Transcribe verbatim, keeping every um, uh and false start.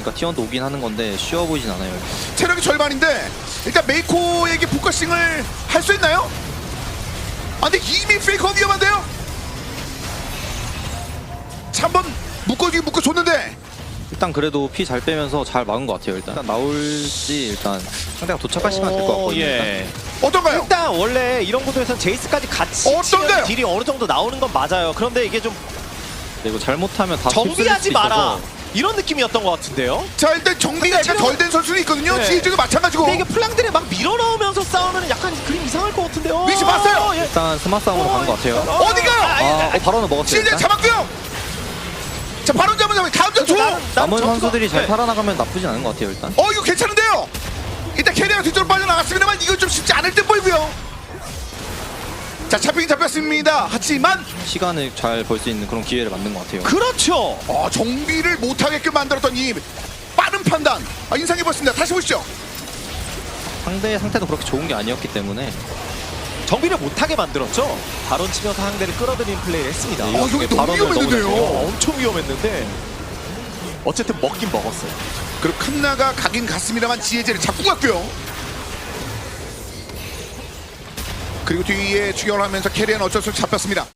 보니까 티원도 오긴 하는 건데 쉬워 보이진 않아요. 체력이 절반인데 일단 메이코에게 포커싱을 할 수 있나요? 아 근데 이미 페이커 위험한데요? 자, 한번 묶어주기 묶어줬는데 일단 그래도 피 잘 빼면서 잘 막은 것 같아요. 일단 나올지 일단 상대가 도착할 시간 될 것 같거든요. 예. 어떤가요? 일단 원래 이런 구도에서는 제이스까지 같이 어떤가요? 치면 딜이 어느 정도 나오는 건 맞아요. 그런데 이게 좀 네, 이거 잘못하면 다 정비하지 휩쓸릴 수 마라 있어서. 이런 느낌이었던 것 같은데요. 자 일단 정비가 약간 체력- 덜 된 선수는 있거든요. 네. 지혜주도 마찬가지고. 근데 이게 플랑들이 막 밀어넣으면서 싸우면 약간 그림 이상할 것 같은데요. 위치 봤어요? 예. 일단 스마 싸움으로 가는 것 같아요. 어, 어디가요? 아, 아, 아, 아, 어, 바로는 먹었어요. 지혜주 일단. 잡았고요. 자 바로 잡은 잡은 다음 전투. 나는- 나는 남은 전투가- 선수들이 잘 네. 살아나가면 나쁘진 않은 것 같아요. 일단. 어 이거 괜찮은데요. 일단 캐리어가 뒤쪽으로 빠져나갔습니다만 이건 좀 쉽지 않을 듯 보이고요. 자 잡히긴 잡혔습니다. 하지만 시간을 잘 벌 수 있는 그런 기회를 만든 것 같아요. 그렇죠. 어, 정비를 못하게끔 만들었던 이 빠른 판단 아, 인상 깊었습니다. 다시 보시죠. 상대의 상태도 그렇게 좋은 게 아니었기 때문에 정비를 못하게 만들었죠. 바론 치면서 상대를 끌어들이는 플레이를 했습니다. 네, 어 여기 너무 발언을 너무 위험했는데요. 어, 엄청 위험했는데 어쨌든 먹긴 먹었어요. 그리고 칸나가 가긴 갔습니다만 지혜제를 잡고 갔고요. 그리고 뒤에 추격을 하면서 캐리어는 어쩔 수 없이 잡혔습니다.